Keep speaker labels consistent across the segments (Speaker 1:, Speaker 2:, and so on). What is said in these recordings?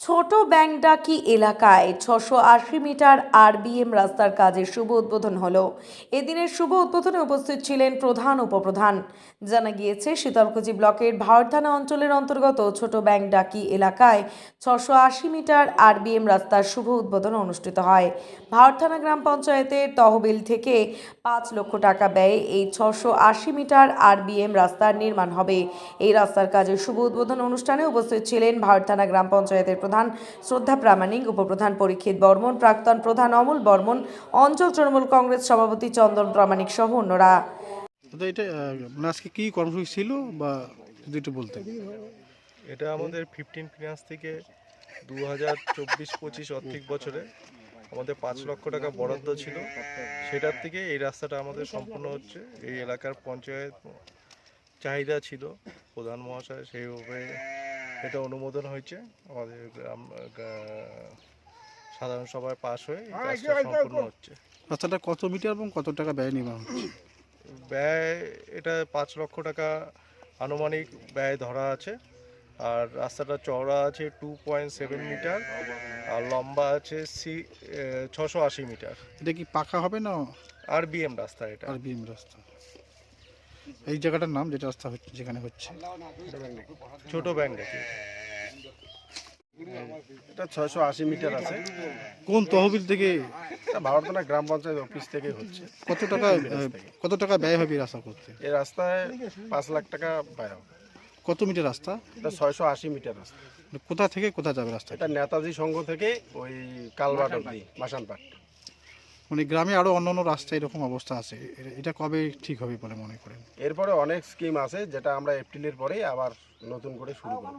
Speaker 1: ছোট ব্যাংডাকি এলাকায় 680 metre RBM রাস্তার কাজের শুভ উদ্বোধন হলো। এদিনের শুভ উদ্বোধনে উপস্থিত ছিলেন প্রধান উপপ্রধান। জানা গিয়েছে, শীতলকুচি ব্লকের ভাওর থানা অঞ্চলের অন্তর্গত ছোট ব্যাংডাকি এলাকায় 680 মিটার আরবিএম রাস্তার শুভ উদ্বোধন অনুষ্ঠিত হয়। ভাওর থানা গ্রাম পঞ্চায়েতের তহবিল থেকে 5 লক্ষ টাকা ব্যয়ে এই 680 মিটার আরবিএম রাস্তার নির্মাণ হবে। এই রাস্তার কাজের শুভ উদ্বোধন অনুষ্ঠানে উপস্থিত ছিলেন ভাওর থানা গ্রাম পঞ্চায়েতের প্রধান শ্রদ্ধা প্রামাণিক, উপপ্রধান পরীক্ষিত বর্মন, প্রাক্তন প্রধান অমল বর্মন, অঞ্চল তৃণমূল কংগ্রেস সভাপতি চন্দন প্রামাণিক সহ অন্যরা।
Speaker 2: এটা আজকে কি কর্মসূচি ছিল বা যদি একটু বলতেন।
Speaker 3: এটা আমাদের 15 ফিনান্স থেকে 2024-25 আর্থিক বছরে আমাদের 5 লক্ষ টাকা বরাদ্দ ছিল। সেটার থেকে এই রাস্তাটা আমাদের সম্পূর্ণ হচ্ছে। এই এলাকার পঞ্চায়েত চাহিদা ছিল, প্রধান মহাশয় সেইভাবে এটা অনুমোদন হয়েছে। আমাদের সাধারণ সভায় পাশ হয়ে কাজটা সম্পূর্ণ হচ্ছে।
Speaker 2: রাস্তাটা কত মিটার এবং কত টাকা ব্যয় নির্মাণ হচ্ছে?
Speaker 3: ব্যয় এটা 5 লক্ষ টাকা আনুমানিক ব্যয় ধরা আছে। আর রাস্তাটা চওড়া আছে 2.7 মিটার আর লম্বা আছে 680 মিটার।
Speaker 2: এটা কি পাকা হবে না
Speaker 3: আরবিএম রাস্তা? এটা
Speaker 2: আরবিএম রাস্তা। এই জায়গাটার নাম যেটা রাস্তা হচ্ছে, যেখানে হচ্ছে
Speaker 3: ছোট ব্যাংডাকি।
Speaker 4: এটা 680 মিটার আছে।
Speaker 2: কোন তহবিল থেকে?
Speaker 4: এটা ভাওর থানা গ্রাম পঞ্চায়েত অফিস থেকে হচ্ছে।
Speaker 2: কত টাকা ব্যয় হবে এই রাস্তা করতে?
Speaker 4: এই রাস্তায় 5 লাখ টাকা ব্যয় হবে।
Speaker 2: কত মিটার রাস্তা?
Speaker 4: এটা 680 মিটার রাস্তা।
Speaker 2: কোথা থেকে কোথা যাবে রাস্তা?
Speaker 4: এটা নেতাজি সংঘ থেকে ওই কালবাট অব্দি মাসানপাট।
Speaker 2: মানে গ্রামে আরো অন্যান্য রাস্তা এরকম অবস্থা আছে, এটা কবে ঠিক হবে বলে মনে করেন?
Speaker 4: এরপরে অনেক স্কিম আছে যেটা আমরা এপ্রিলের পরেই আবার নতুন করে শুরু করব।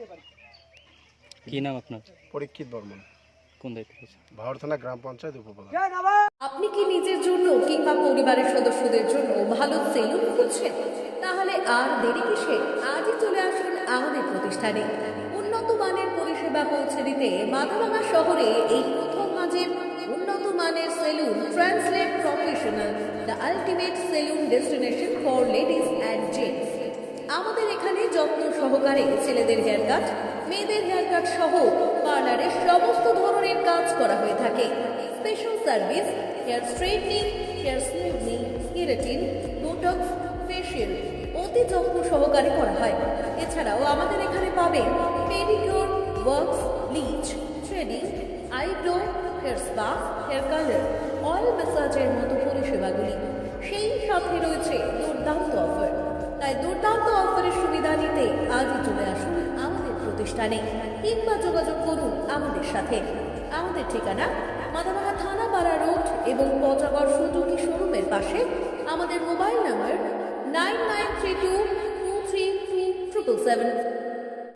Speaker 5: কি নাম আপনার?
Speaker 4: পরীক্ষিত বর্মন,
Speaker 5: কোন দায়িত্বে?
Speaker 4: ভাওর থানা গ্রাম পঞ্চায়েত উপপ্রধান।
Speaker 1: আপনি কি নিজের জন্য কিংবা পরিবারের সদস্যদের জন্য ভালো সেলুন খুঁজছেন? তাহলে আর দেরি কিসে? আজই চলে আসুন আমাদের প্রতিষ্ঠানে। উন্নত মানের পরিষেবা পৌঁছে দিতে মাথাভাঙা শহরে এই প্রথম মাঝের উন্নত মানের salon translate professional, the ultimate salon destination for ladies and gents. আমাদের এখানে যত্ন সহকারে ছেলেদের হেয়ার কাট, মেয়েদের হেয়ার কাট সহ পার্লারের সমস্ত ধরনের কাজ করা হয়ে থাকে। Special service, hair straightening, hair smoothing, keratin, botox, facial অতি যত্ন সহকারে করা হয়। এছাড়াও আমাদের এখানে পাবেন pedicure, wax, bleach, threading, eyebrow, hair spa, hair colour, oil ম্যাসাজের মতো পরিষেবাগুলি। সেই সাথে রয়েছে দুর্দান্ত অফার। তাই দুর্দান্ত অফারের সুবিধা নিতে আজই চলে আসুন আমাদের প্রতিষ্ঠানে কিংবা যোগাযোগ করুন আমাদের সাথে। আমাদের ঠিকানা মাথাভাঙা থানাপাড়া রোড এবং পচাগড় সুজুকি শোরুমের পাশে। আমাদের মোবাইল নম্বর 9932232777।